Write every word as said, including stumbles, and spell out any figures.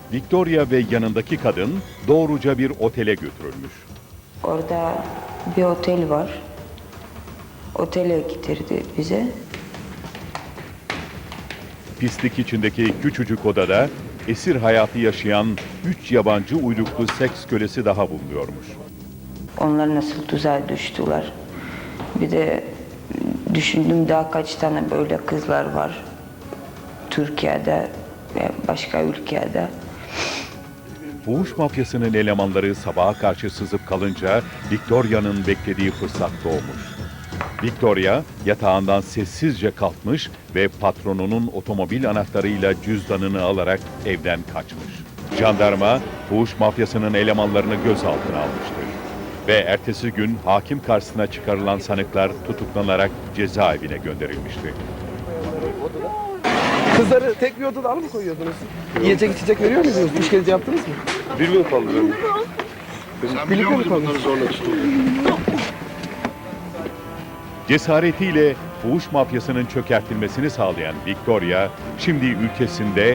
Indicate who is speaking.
Speaker 1: Victoria ve yanındaki kadın doğruca bir otele götürülmüş.
Speaker 2: Orada bir otel var. Otele getirdi bize.
Speaker 1: Pislik içindeki küçücük odada esir hayatı yaşayan üç yabancı uyruklu seks kölesi daha bulunuyormuş.
Speaker 2: Onlar nasıl tuzağa düştüler. Bir de düşündüm daha kaç tane böyle kızlar var. Türkiye'de ve başka ülkede.
Speaker 1: Fuhuş mafyasının elemanları sabaha karşı sızıp kalınca Victoria'nın beklediği fırsat doğmuş. Victoria yatağından sessizce kalkmış ve patronunun otomobil anahtarıyla cüzdanını alarak evden kaçmış. Jandarma, fuhuş mafyasının elemanlarını gözaltına almıştır. Ve ertesi gün hakim karşısına çıkarılan sanıklar tutuklanarak cezaevine gönderilmişti.
Speaker 3: Kızları tek bir odada mı koyuyordunuz? Yiyecek içecek veriyor muydunuz? İşkence yaptınız mı?
Speaker 4: Bir gün kaldı benim.
Speaker 3: Birlikte
Speaker 4: Sen biliyor
Speaker 3: mi
Speaker 4: muydun
Speaker 3: kaldınız?
Speaker 4: bunları zorla tutuldu?
Speaker 1: Cesaretiyle fuhuş mafyasının çökertilmesini sağlayan Victoria, şimdi ülkesinde